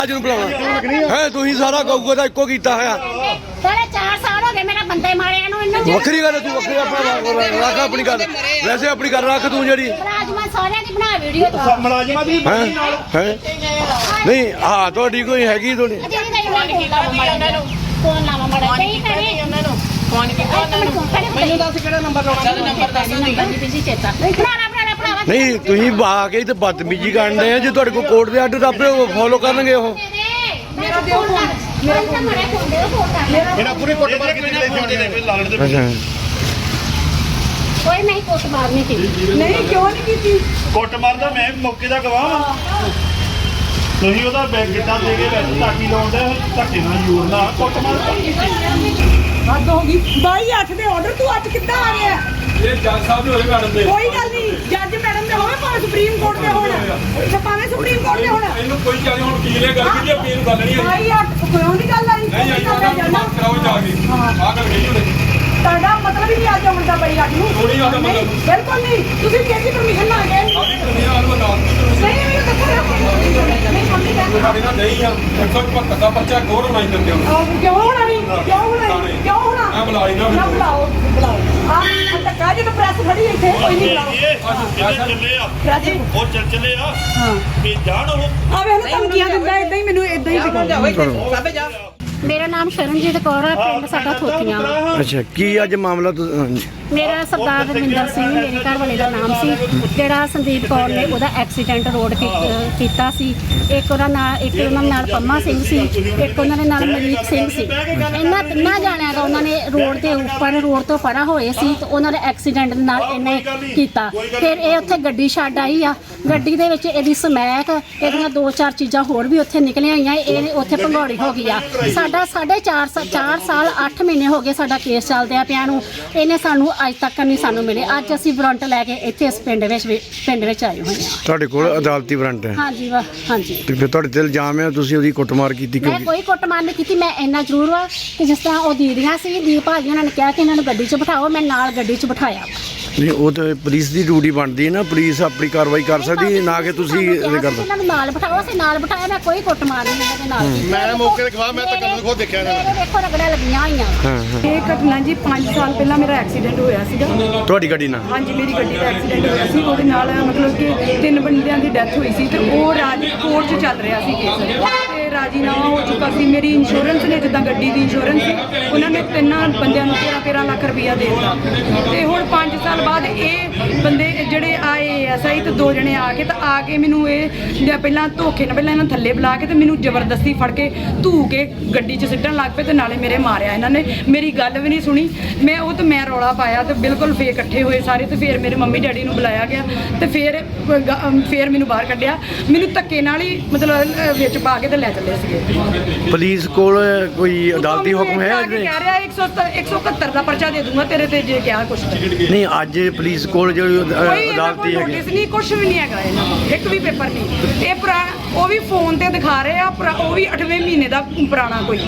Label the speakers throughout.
Speaker 1: ਅੱਜ ਨੂੰ ਬੁਲਾਉਣਾ ਹੈ ਤੁਸੀਂ ਸਾਰਾ ਗਊਗਾ ਦਾ ਇੱਕੋ ਕੀਤਾ ਹੋਇਆ।
Speaker 2: ਸਾਰੇ 4 ਸਾਲ ਹੋ ਗਏ ਮੇਰਾ ਬੰਦੇ ਮਾਰਿਆ ਨੂੰ ਇਹਨਾਂ ਨੂੰ।
Speaker 1: ਵੱਖਰੀ ਗੱਲ ਤੂੰ ਵੱਖਰੀ ਆਪਣਾ ਰੱਖ ਆਪਣੀ ਗੱਲ, ਵੈਸੇ ਆਪਣੀ ਗੱਲ ਰੱਖ ਤੂੰ ਜਿਹੜੀ
Speaker 2: ਮੁਲਾਜ਼ਮਾਂ ਸਾਰਿਆਂ ਦੀ ਬਣਾ ਵੀਡੀਓ ਤੋਂ
Speaker 3: ਮੁਲਾਜ਼ਮਾਂ ਦੀ
Speaker 1: ਹੈ ਨਹੀਂ ਹਾਂ ਤੁਹਾਡੀ ਕੋਈ ਹੈਗੀ ਤੁਹਾਡੀ
Speaker 2: ਫੋਨ ਲਾਵਾ ਮੜਾ ਨਹੀਂ ਕਰੇ ਉਹਨਾਂ ਨੂੰ ਫੋਨ ਕੀਤਾ ਉਹਨਾਂ ਨੂੰ ਮੈਨੂੰ ਦੱਸ ਕਿਹੜਾ ਨੰਬਰ ਲਾਉਣਾ ਨੰਬਰ ਦੱਸ ਨਹੀਂ ਬਿਜ਼ੀ ਚੇਤਾ ਭਰਾਵਾ
Speaker 1: ਨਹੀਂ ਤੁਸੀਂ ਆ ਕੇ ਤੇ ਬਦਤਮੀਜੀ ਕਰਦੇ ਆ। ਜੇ ਤੁਹਾਡੇ ਕੋਲ ਕੋਰਟ ਦੇ ਆਰਡਰ ਆਪੇ ਫੋਲੋ ਕਰਨਗੇ ਉਹ।
Speaker 2: ਮੇਰਾ ਦਿਓ ਫੋਨ ਮੇਰਾ ਫੋਨ ਦੇ ਫੋਨ ਕਰ
Speaker 3: ਇਹਨਾਂ ਪੂਰੀ ਕੁੱਟ ਮਾਰ ਕੇ ਲੈ ਕੇ ਲਾਲਣ ਦੇ
Speaker 2: ਕੋਈ ਨਹੀਂ ਕੁੱਟ ਮਾਰਨੀ ਸੀ
Speaker 4: ਨਹੀਂ ਕਿਉਂ ਨਹੀਂ ਕੀਤੀ
Speaker 3: ਕੁੱਟ ਮਾਰਦਾ ਮੈਂ ਮੌਕੇ ਦਾ ਗਵਾਹ ਹਾਂ। ਤੁਸੀਂ ਉਹਦਾ ਬੈਗ ਗਿੱਟਾ ਦੇ ਕੇ ਵਿੱਚ ਟਾਕੀ ਲਾਉਂਦੇ ਧੱਕੇ ਨਾਲ ਯੂਰ ਨਾਲ ਕੁੱਟ ਮਾਰ
Speaker 4: ਹੱਦ ਹੋ ਗਈ 22/8 ਦੇ ਆਰਡਰ ਤੂੰ ਅੱਜ ਕਿੱਦਾਂ ਆ ਗਿਆ?
Speaker 5: ਇਹ ਜੱਜ ਸਾਹਿਬ ਦੇ ਹੋਏ ਮੈਡਮ ਦੇ
Speaker 4: ਕੋਈ ਗੱਲ ਨਹੀਂ ਜੱਜ ਮੈਡਮ ਦੇ ਹੋਵੇ ਭਾਵੇਂ ਸੁਪਰੀਮ ਕੋਰਟ ਦੇ ਹੋਣ ਤੇ ਭਾਵੇਂ ਸੁਪਰੀਮ ਕੋਰਟ ਦੇ ਹੋਣ
Speaker 5: ਇਹਨੂੰ ਕੋਈ ਚਾਹੇ ਹੁਣ ਕੀ ਲੈ ਗੱਲ ਕੀਤੀ ਆਪਣੀ ਨੂੰ ਗੱਲ ਨਹੀਂ ਆਈ
Speaker 4: 22/8 ਕੋਈ ਨਹੀਂ ਗੱਲ ਆਈ
Speaker 5: ਨਹੀਂ ਆਈ ਉਹਨਾਂ ਨੂੰ ਕਰਾਓ ਜਾ ਕੇ ਆਹ ਗੱਲ ਕਹੀ ਉਹਨੇ
Speaker 4: ਤੁਹਾਡਾ ਮਤਲਬ ਹੀ ਨਹੀਂ ਅੱਜ ਆਉਣ ਦਾ 22/8 ਨੂੰ
Speaker 5: ਥੋੜੀ ਗੱਲ ਮਤਲਬ
Speaker 4: ਬਿਲਕੁਲ ਨਹੀਂ ਤੁਸੀਂ ਕਿਹਦੀ ਪਰਮਿਸ਼ਨ ਨਾ ਗਏ
Speaker 5: ਸਾਡੀ ਦੁਨੀਆ ਨੂੰ ਬਤਾ
Speaker 4: ਨਹੀਂ ਮੈਨੂੰ ਦੱਸੋ ਨਹੀਂ ਮੰਮੀ ਕਹਿੰਦੀ
Speaker 5: ਸਾਡੇ ਨਾਲ ਨਹੀਂ ਆ 175 ਦਾ ਬੱਚਾ ਗੌਰ ਹੋਣਾ ਹੀ ਦਿੰਦੇ ਹੁਣ
Speaker 4: ਕਿਉਂ ਹੋਣਾ ਨਹੀਂ ਕਿਉਂ ਹੋਣਾ ਕਿਉਂ ਹੋਣਾ
Speaker 5: ਆ ਬੁਲਾਈ ਨਾ
Speaker 4: ਬੁਲਾਓ ਆ ਧੱਕਾ ਜੇ ਤਾਂ ਪ੍ਰੈਸ ਖੜੀ ਇੱਥੇ ਕੋਈ ਨਹੀਂ ਬੁਲਾਓ
Speaker 3: ਚੱਲੇ ਆ
Speaker 4: ਪ੍ਰੈਸ
Speaker 3: ਉਹ ਚੱਲੇ ਆ ਵੀ ਜਾਣ ਉਹ
Speaker 4: ਆ ਵੇ ਇਹਨੂੰ ਧਮਕੀਆਂ ਦਿੰਦਾ ਇਦਾਂ ਹੀ ਮੈਨੂੰ ਇਦਾਂ ਹੀ ਦਿਖਾਉਂਦਾ
Speaker 2: ਮੇਰਾ ਨਾਮ ਸ਼ਰਨਜੀਤ ਕੌਰ ਹੈ ਪਿੰਡ ਸਾਡਾ ਥੋਤੀਆਂ
Speaker 1: ਅੱਛਾ ਕੀ ਅੱਜ ਮਾਮਲਾ
Speaker 2: ਮੇਰਾ ਸਰਦਾਰ ਰਵਿੰਦਰ ਸਿੰਘ ਮੇਰੇ ਘਰ ਵਾਲੇ ਦਾ ਨਾਮ ਸੀ ਜਿਹੜਾ ਸੰਦੀਪ ਕੌਰ ਨੇ ਉਹਦਾ ਐਕਸੀਡੈਂਟ ਰੋਡ ਕੀਤਾ ਸੀ। ਇੱਕ ਉਹਨਾਂ ਨਾਲ ਪੰਮਾ ਸਿੰਘ ਸੀ, ਇੱਕ ਉਹਨਾਂ ਦੇ ਨਾਲ ਮਲੀਕ ਸਿੰਘ ਸੀ। ਇਹਨਾਂ ਤਿੰਨਾਂ ਜਾਣਿਆਂ ਦਾ ਉਹਨਾਂ ਨੇ ਰੋਡ ਦੇ ਉੱਪਰ ਰੋਡ ਤੋਂ ਪਰਾਂ ਹੋਏ ਸੀ ਤੇ ਉਹਨਾਂ ਦੇ ਐਕਸੀਡੈਂਟ ਨਾਲ ਇਹਨੇ ਕੀਤਾ। ਫਿਰ ਇਹ ਉੱਥੇ ਗੱਡੀ ਛੱਡ ਆਈ ਆ, ਗੱਡੀ ਦੇ ਵਿੱਚ ਇਹਦੀ ਸਮੈਕ ਇਹਦੀਆਂ 2-4 ਚੀਜ਼ਾਂ ਹੋਰ ਵੀ ਉੱਥੇ ਨਿਕਲੀਆਂ ਆਈਆਂ। ਇਹ ਉੱਥੇ ਭੰਗੌੜੀ ਹੋ ਗਈ ਆ। ਸਾਡਾ 4.5 ਸਾਲ 8 ਮਹੀਨੇ ਹੋ ਗਏ ਸਾਡਾ ਕੇਸ ਚੱਲਦਿਆਂ ਪਿਆ ਨੂੰ। ਇਹਨੇ ਸਾਨੂੰ ਅੱਜ ਤੱਕ ਨਹੀਂ ਸਾਨੂੰ ਮਿਲੇ। ਅੱਜ ਅਸੀਂ ਵਾਰੰਟ ਲੈ ਕੇ ਇੱਥੇ ਇਸ ਪਿੰਡ ਵਿੱਚ ਆਏ ਹੋਏ ਹਾਂ।
Speaker 1: ਤੁਹਾਡੇ ਕੋਲ ਅਦਾਲਤੀ ਵਾਰੰਟ ਹੈ?
Speaker 2: ਹਾਂਜੀ ਹਾਂਜੀ।
Speaker 1: ਤੇ ਫਿਰ ਤੁਹਾਡੇ ਤੇ ਇਲਜ਼ਾਮ ਹੈ ਤੁਸੀਂ ਉਹਦੀ ਕੁੱਟਮਾਰ ਕੀਤੀ
Speaker 2: ਮੈਂ ਕੋਈ ਕੁੱਟਮਾਰ ਨਹੀਂ ਕੀਤੀ। ਮੈਂ ਇੰਨਾ ਜ਼ਰੂਰ ਵਾ ਕਿ ਜਿਸ ਤਰ੍ਹਾਂ ਉਹ ਦੀਦੀਆਂ ਸੀ ਦੀਪ ਭਾਜੀ ਉਹਨਾਂ ਨੇ ਕਿਹਾ ਕਿ ਇਹਨਾਂ ਨੂੰ ਗੱਡੀ 'ਚ ਬਿਠਾਓ, ਮੈਂ ਨਾਲ ਗੱਡੀ 'ਚ ਬਿਠਾਇਆ।
Speaker 1: ਨਹੀਂ ਉਹ ਤਾਂ ਪੁਲਿਸ ਦੀ ਡਿਊਟੀ ਬਣਦੀ ਹੈ ਨਾ, ਪੁਲਿਸ ਆਪਣੀ ਕਾਰਵਾਈ ਕਰ ਸਕਦੀ ਹੈ, ਨਾ ਕਿ ਤੁਸੀਂ ਇਹ ਕਰੋ।
Speaker 2: ਇਹਨਾਂ ਨੂੰ ਨਾਲ ਬਿਠਾਓ, ਅਸੀਂ ਨਾਲ ਬਿਠਾਇਆ। ਮੈਂ ਕੋਈ ਕੁੱਟਮਾਰ ਨਹੀਂ ਇਹਨਾਂ ਦੇ ਨਾਲ।
Speaker 3: ਮੈਂ ਮੌਕੇ ਤੇ ਖਵਾ ਮੈਂ ਤਾਂ ਕੱਲ ਖੁਦ ਦੇਖਿਆ
Speaker 2: ਮੇਰੇ ਦੇਖੋ ਰਗੜਾਂ ਲੱਗੀਆਂ ਹੋਈਆਂ।
Speaker 4: ਇਹ ਘਟਨਾ ਜੀ 5 ਸਾਲ ਪਹਿਲਾਂ ਮੇਰਾ ਐਕਸੀਡੈਂਟ ਹੋਇਆ ਸੀਗਾ।
Speaker 1: ਤੁਹਾਡੀ ਗੱਡੀ ਨਾਲ?
Speaker 4: ਹਾਂਜੀ ਮੇਰੀ ਗੱਡੀ ਦਾ ਐਕਸੀਡੈਂਟ ਹੋਇਆ ਸੀ। ਉਹਦੇ ਨਾਲ ਮਤਲਬ ਕਿ 3 ਬੰਦਿਆਂ ਦੀ ਡੈਥ ਹੋਈ ਸੀ ਤੇ ਉਹ ਕੋਰਟ 'ਚ ਚੱਲ ਰਿਹਾ ਸੀ ਕੇਸ ਤੇ ਰਾਜੀਨਾਮਾ ਹੋ ਚੁੱਕਾ ਸੀ। ਮੇਰੀ ਇੰਸ਼ੋਰੈਂਸ ਨੇ ਜਿੱਦਾਂ ਗੱਡੀ ਦੀ ਇੰਸ਼ੋਰੈਂਸ ਸੀ ਉਹਨਾਂ ਨੇ 3 ਬੰਦਿਆਂ ਨੂੰ 13 ਲੱਖ ਰੁਪਈਆ ਦੇ ਦਿੱਤਾ ਤੇ ਹੁਣ 5 ਸਾਲ ਬਾਅਦ ਇਹ ਬੰਦੇ ਜਿਹੜੇ ਆਏ ਐਸਆਈ ਤੇ 2 ਜਣੇ ਆ ਕੇ ਤਾਂ ਆ ਕੇ ਮੈਨੂੰ ਇਹ ਪਹਿਲਾਂ ਧੋਖੇ ਨਾਲ ਪਹਿਲਾਂ ਇਹਨਾਂ ਥੱਲੇ ਬੁਲਾ ਕੇ ਤੇ ਮੈਨੂੰ ਜ਼ਬਰਦਸਤੀ ਫੜ ਕੇ ਧੂ ਕੇ ਗੱਡੀ 'ਚ ਸਿੱਟਣ ਲੱਗ ਪਏ ਤੇ ਨਾਲੇ ਮੇਰੇ ਮਾਰਿਆ ਇਹਨਾਂ ਨੇ। ਮੇਰੀ ਗੱਲ ਵੀ ਨਹੀਂ ਸੁਣੀ। ਮੈਂ ਰੌਲਾ ਪਾਇਆ ਤੇ ਬਿਲਕੁਲ ਫੇਰ ਇਕੱਠੇ ਹੋਏ ਸਾਰੇ ਤੇ ਫਿਰ ਮੇਰੇ ਮੰਮੀ ਡੈਡੀ ਨੂੰ ਬੁਲਾਇਆ ਗਿਆ ਤੇ ਫਿਰ ਮੈਨੂੰ ਬਾਹਰ ਕੱਢਿਆ। ਮੈਨੂੰ ਧੱਕੇ ਨਾਲ ਹੀ ਮਤਲਬ ਵਿੱਚ ਪਾ ਕੇ ਤੇ ਲੈ ਚੱਲੇ ਸੀਗੇ।
Speaker 1: ਪੁਲਿਸ ਕੋਲ ਕੋਈ ਅਦਾਲਤੀ ਹੁਕਮ ਹੈ?
Speaker 4: ਕਹਿ ਰਿਹਾ 171 ਦਾ ਪਰਚਾ ਦੇ ਦੂੰਗਾ ਤੇਰੇ ਤੇ ਜੇ ਕਿਹਾ ਕੁਛ
Speaker 1: ਨਹੀਂ ਅੱਜ ਪੁਲਿਸ ਕੋਲ ਜਿਹੜੀ ਅਦਾਲਤੀ ਹੈਗੀ
Speaker 4: ਨੋਟਿਸ ਨਹੀਂ ਕੁਛ ਵੀ ਨਹੀਂ ਹੈਗਾ ਇਹਨਾਂ ਕੋਲ, ਇੱਕ ਵੀ ਪੇਪਰ ਨਹੀਂ। ਇਹ ਉਹ ਵੀ ਫੋਨ ਤੇ ਦਿਖਾ ਰਹੇ ਆ, ਉਹ ਵੀ 8ਵੇਂ ਮਹੀਨੇ ਦਾ ਪੁਰਾਣਾ ਕੋਈ।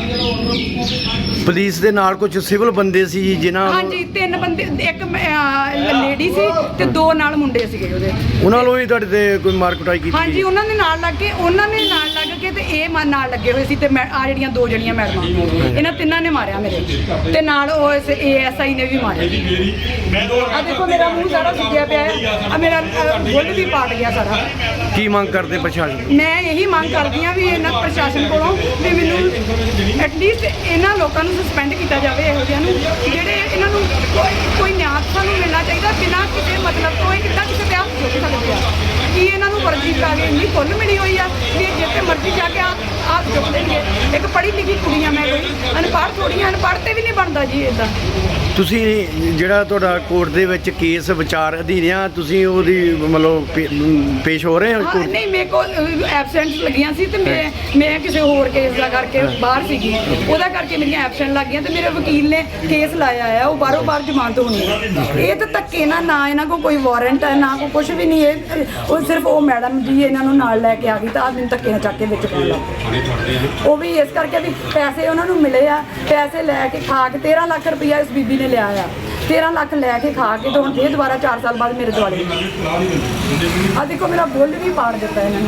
Speaker 1: ਪੁਲਿਸ ਦੇ ਨਾਲ ਕੁਝ ਸਿਵਲ ਬੰਦੇ ਸੀ ਜਿਨ੍ਹਾਂ
Speaker 4: ਹਾਂਜੀ 3 ਬੰਦੇ, ਇੱਕ ਲੇਡੀ ਸੀ ਤੇ 2 ਨਾਲ ਮੁੰਡੇ ਸੀਗੇ ਉਹਦੇ।
Speaker 1: ਉਹਨਾਂ ਨੂੰ ਵੀ ਤੁਹਾਡੇ ਤੇ ਕੋਈ ਮਾਰ ਕੁਟਾਈ ਕੀਤੀ?
Speaker 4: ਹਾਂਜੀ ਉਹਨਾਂ ਨੇ ਨਾਲ ਲੱਗ ਕੇ ਤੇ ਇਹ ਨਾਲ ਲੱਗੇ ਹੋਏ ਸੀ ਤੇ ਆ ਜਿਹੜੀਆਂ 2 ਜਣੀਆਂ ਮੈਡਮਾਂ ਇਹਨਾਂ ਤਿੰਨਾਂ ਨੇ ਮਾਰਿਆ ਮੇਰੇ ਤੇ ਨਾਲ ਉਹ ਏਐਸਆਈ ਨੇ ਵੀ ਮਾਰਿਆ। ਆ ਦੇਖੋ ਮੇਰਾ ਮੂੰਹ ਸਾਰਾ ਸੁੱਜਿਆ ਪਿਆ ਹੈ, ਆ ਮੇਰਾ ਬੁੱਲ ਵੀ ਪਾਟ ਗਿਆ ਸਾਰਾ।
Speaker 1: ਕੀ ਮੰਗ ਕਰਦੇ ਪ੍ਰਸ਼ਾਸਨ?
Speaker 4: ਮੈਂ ਇਹੀ ਮੰਗ ਕਰਦੀ ਹਾਂ ਵੀ ਇਹਨਾਂ ਪ੍ਰਸ਼ਾਸਨ ਕੋਲੋਂ ਵੀ ਮੈਨੂੰ ਐਟਲੀਸਟ ਇਹਨਾਂ ਲੋਕਾਂ ਨੂੰ ਸਸਪੈਂਡ ਕੀਤਾ ਜਾਵੇ, ਇਹੋ ਜਿਹਿਆਂ ਨੂੰ ਜਿਹੜੇ ਇਹਨਾਂ ਨੂੰ ਕੋਈ ਨਿਆਂ ਸਾਨੂੰ ਮਿਲਣਾ ਚਾਹੀਦਾ ਬਿਨਾਂ ਕਿਸੇ ਮਤਲਬ ਤੋਂ। ਕਿੱਦਾਂ ਕਿਸੇ ਤੇ ਹੱਥ ਚੁੱਕ ਸਕਦੇ ਆ ਕਿ ਇਹਨਾਂ ਨੂੰ ਵਰਜੀ ਕਰਾ ਕੇ ਇੰਨੀ ਖੁੱਲ੍ਹ ਮਿਲੀ ਹੋਈ ਆ ਵੀ ਜਿੱਥੇ ਮਰਜ਼ੀ ਜਾ ਕੇ ਹੱਥ ਚੁੱਕ ਦੇਣਗੇ। ਇੱਕ ਪੜ੍ਹੀ ਲਿਖੀ ਕੁੜੀਆਂ ਮੈਂ ਕੋਈ ਅਨਪੜ੍ਹ ਥੋੜ੍ਹੀਆਂ, ਅਨਪੜ੍ਹ ਤੇ ਵੀ ਨਹੀਂ ਬਣਦਾ ਜੀ ਇੱਦਾਂ।
Speaker 1: ਤੁਸੀਂ ਜਿਹੜਾ ਤੁਹਾਡਾ ਕੋਰਟ ਦੇ ਵਿੱਚ ਕੇਸ ਵਿਚਾਰ ਅਧੀਨ ਆ, ਤੁਸੀਂ ਉਹਦੀ ਮਤਲਬ ਪੇਸ਼ ਹੋ ਰਹੇ ਹੋ ਕੋਰਟ?
Speaker 4: ਨਹੀਂ ਮੇਰੇ ਕੋਲ ਐਬਸੈਂਟ ਲੱਗੀਆਂ ਸੀ ਤੇ ਮੈਂ ਕਿਸੇ ਹੋਰ ਕੇਸ ਦਾ ਕਰਕੇ ਬਾਹਰ ਸੀਗੀ, ਉਹਦਾ ਕਰਕੇ ਮੇਰੀਆਂ ਐਬਸੈਂਟ ਲੱਗ ਗਈਆਂ ਤੇ ਮੇਰੇ ਵਕੀਲ ਨੇ ਕੇਸ ਲਾਇਆ ਆ, ਉਹ ਬਾਹਰੋਂ ਬਾਹਰ ਜ਼ਮਾਨਤ ਹੋਣੀ ਹੈ। ਇਹ ਤਾਂ ਧੱਕੇ ਨਾ ਇਹਨਾਂ ਕੋਲ ਕੋਈ ਵਾਰੰਟ ਹੈ ਨਾ ਕੋਈ ਕੁਝ ਵੀ ਨਹੀਂ। ਉਹ ਸਿਰਫ ਉਹ ਮੈਡਮ ਜੀ ਇਹਨਾਂ ਨੂੰ ਨਾਲ ਲੈ ਕੇ ਆ ਗਈ ਤਾਂ ਮੈਨੂੰ ਧੱਕੇ ਨਾਲ ਚੱਕ ਕੇ ਵਿੱਚ ਪਾ ਲਾ। ਉਹ ਵੀ ਇਸ ਕਰਕੇ ਵੀ ਪੈਸੇ ਉਹਨਾਂ ਨੂੰ ਮਿਲੇ ਆ, ਪੈਸੇ ਲੈ ਕੇ ਖਾ ਕੇ 13 ਲੱਖ ਰੁਪਈਆ ਇਸ ਬੀਬੀ ਨੇ ਲਿਆ ਆ। 13 ਲੱਖ ਲੈ ਕੇ ਖਾ ਕੇ ਤੇ ਹੁਣ ਫੇਰ ਦੁਬਾਰਾ 4 ਸਾਲ ਬਾਅਦ ਮੇਰੇ ਦੁਆਲੇ ਆ ਦੇਖੋ ਮੇਰਾ ਬੁੱਲ ਵੀ ਪਾੜ ਦਿੱਤਾ ਇਹਨਾਂ ਨੇ।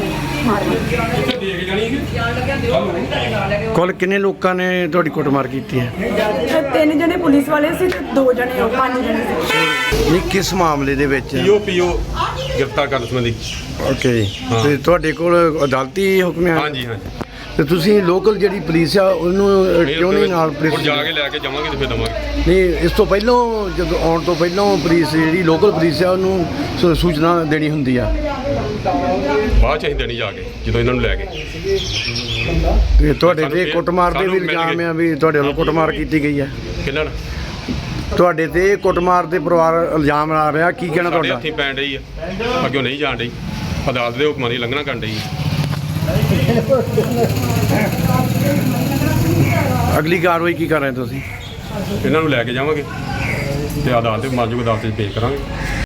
Speaker 5: ਉੱਥੇ ਦੇਖ ਜਾਣੀ ਕਿ
Speaker 1: ਕੁੱਲ ਕਿੰਨੇ ਲੋਕਾਂ ਨੇ ਤੁਹਾਡੀ ਕੁੱਟਮਾਰ ਕੀਤੀ ਹੈ?
Speaker 4: ਤੇ 3 ਜਣੇ ਪੁਲਿਸ ਵਾਲੇ ਸੀ ਤੇ 2 ਜਣੇ ਉਹ 5 ਜਣੇ ਸੀ।
Speaker 1: ਨਹੀਂ, ਕਿਸ ਮਾਮਲੇ ਦੇ ਵਿੱਚ?
Speaker 5: ਪੀਓ ਗ੍ਰਿਫਤਾਰ ਕਰਨ ਸੰਬੰਧੀ।
Speaker 1: ਓਕੇ ਜੀ।
Speaker 5: ਹਾਂ।
Speaker 1: ਤੇ ਤੁਹਾਡੇ ਕੋਲ ਅਦਾਲਤੀ ਹੁਕਮ ਹੈ?
Speaker 5: ਹਾਂਜੀ ਹਾਂਜੀ।
Speaker 1: ਤੇ ਤੁਸੀਂ ਲੋਕਲ ਜਿਹੜੀ ਪੁਲਿਸ ਆ ਉਹਨੂੰ ਕਿਉਂ ਨਹੀਂ ਨਾਲ
Speaker 5: ਹੁਣ
Speaker 1: ਪੁਲਿਸ?
Speaker 5: ਜਾ ਕੇ ਲੈ ਕੇ ਜਾਵਾਂਗੇ ਤੇ ਫਿਰ ਦਵਾਂਗੇ।
Speaker 1: ਨਹੀਂ, ਇਸ ਤੋਂ ਪਹਿਲਾਂ ਜਦੋਂ ਆਉਣ ਤੋਂ ਪਹਿਲਾਂ ਪੁਲਿਸ ਜਿਹੜੀ ਲੋਕਲ ਪੁਲਿਸ ਆ ਉਹਨੂੰ ਸੂਚਨਾ ਦੇਣੀ ਹੁੰਦੀ ਆ।
Speaker 5: ਬਾਅਦ ਚ ਅਸੀਂ ਦੇਣੀ ਜਾ ਕੇ ਜਦੋਂ ਇਹਨਾਂ ਨੂੰ ਲੈ ਗਏ।
Speaker 1: ਤੇ ਤੁਹਾਡੇ
Speaker 5: ਸਾਨੂੰ
Speaker 1: ਤੇ
Speaker 5: ਫਿਰ-
Speaker 1: ਕੁੱਟਮਾਰ ਦੇ ਵੀ
Speaker 5: ਸਾਨੂੰ ਮਿਲ
Speaker 1: ਇਲਜ਼ਾਮ
Speaker 5: ਗਏ।
Speaker 1: ਆ ਵੀ ਤੁਹਾਡੇ ਵੱਲੋਂ ਕੁੱਟਮਾਰ ਕੀਤੀ ਗਈ ਆ।
Speaker 5: ਕਿੰਨਾਂ
Speaker 1: ਤੁਹਾਡੇ ਤੇ ਕੁੱਟਮਾਰ ਦੇ ਪਰਿਵਾਰ ਇਲਜ਼ਾਮ ਲਾ ਰਿਹਾ, ਕੀ ਕਹਿਣਾ
Speaker 5: ਸਾਡੇ
Speaker 1: ਤੁਹਾਡਾ?
Speaker 5: ਹੱਥੀਂ ਪੈਣ ਡਈ ਆ, ਅੱਗੇ ਨਹੀਂ ਜਾਣ ਡਈ, ਅਦਾਲਤ ਦੇ ਹੁਕਮਾਂ ਦੀ ਲੰਘਣਾ ਕਰਨ ਡਈ।
Speaker 1: ਅਗਲੀ ਕਾਰਵਾਈ ਕੀ ਕਰ ਰਹੇ ਤੁਸੀਂ?
Speaker 5: ਇਹਨਾਂ ਨੂੰ ਲੈ ਕੇ ਜਾਵਾਂਗੇ ਤੇ ਅਦਾਲਤ ਦੇ ਮਾਜੂਗ ਅਦਾਲਤ 'ਚ ਪੇਸ਼ ਕਰਾਂਗੇ।